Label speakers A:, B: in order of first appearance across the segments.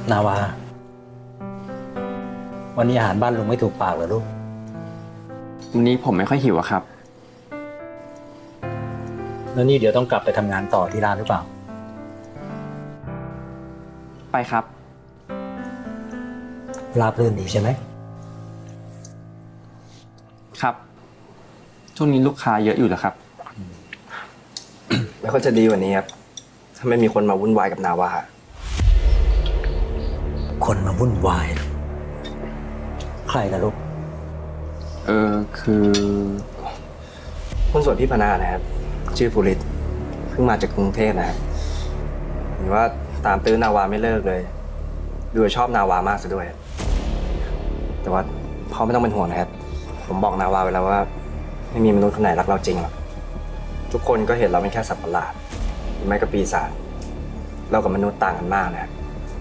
A: นาวาวันนี้อาหารบ้านลุงไม่ถูกปากเหรอลูก
B: วันนี้ผมไม่ค่อยหิวอะครับ
A: แล้วนี่เดี๋ยวต้องกลับไปทำงานต่อที่ร้านหรือเปล่า
B: ไปครับ
A: ราบรื่นดีใช่ไหม
B: ครับช่วงนี้ลูกค้าเยอะอยู่เหรอครับ
C: แล้วก็จะดีกว่านี้ครับถ้าไม่มีคนมาวุ่นวายกับนาวา
A: คนมาวุ่นวายใครล่ะลูก
B: คือ
C: หุ้นส่วนพี่พนานะครับชื่อภูริศเพิ่งมาจากกรุงเทพนะครับเห็นว่าตามตื้อนาวาไม่เลิกเลยดูชอบนาวามากซะด้วยแต่ว่าพ่อไม่ต้องเป็นห่วงนะครับผมบอกนาวาไว้แล้วว่าไม่มีมนุษย์คนไหนรักเราจริงหรอกทุกคนก็เห็นเราเป็นแค่สัตว์ประหลาดหรือไม่ก็ปีศาจเรากับมนุษย์ต่างกันมากนะครับ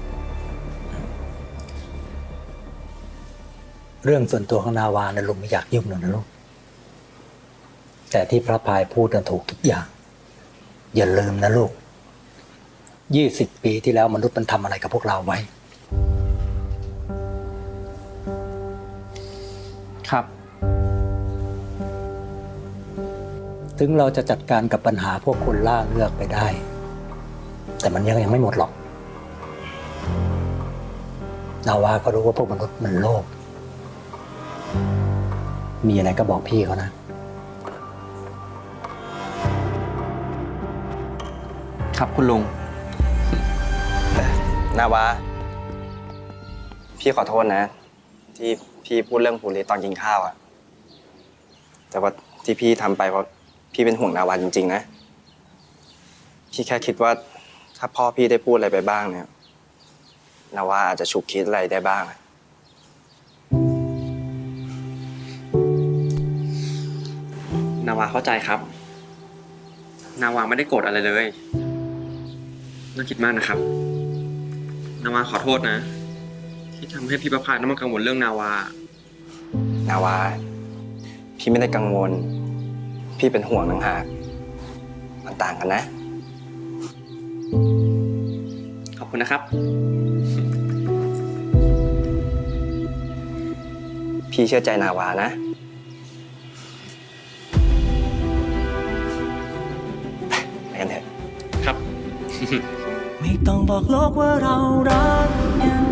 A: เรื่องส่วนตัวของนาวานะลุงไม่อยากยุ่งหรอกนะลูกแต่ที่พระพายพูดนั้นถูกทุกอย่างอย่าลืมนะลูก20 ปีที่แล้วมนุษย์มันทำอะไรกับพวกเราไว้
B: ครับ
A: ถึงเราจะจัดการกับปัญหาพวกคนล่าเลือกไปได้แต่มันยังไม่หมดหรอกนาวาก็รู้ว่าพวกมนุษย์มันโลภมีอะไรก็บอกพี่เขานะครับ
B: คุณลุง
C: นาวาพี่ขอโทษนะที่พี่พูดเรื่องภูริศตอนกินข้าวอะแต่ว่าที่พี่ทำไปเพราะพี่เป็นห่วงนาวาจริงๆนะพี่แค่คิดว่าถ้าพ่อพี่ได้พูดอะไรไปบ้างเนี่ยนาวาอาจจะฉุกคิดอะไรได้บ้าง
B: นาวาเข้าใจครับนาวาไม่ได้โกรธอะไรเลยน่าคิดมากนะครับนาวาขอโทษนะที่ทำให้พี่ประภาสต้องมากังวลเรื่องนาวา
C: พี่ไม่ได้กังวลพี่เป็นห่วงต่างหากมันต่างกันนะ
B: ขอบคุณนะครับ
C: พี่เชื่อใจนาวานะไปกันเถอะ
B: ครับ
D: ไม่ต้องบอกโลกว่าเรารักกัน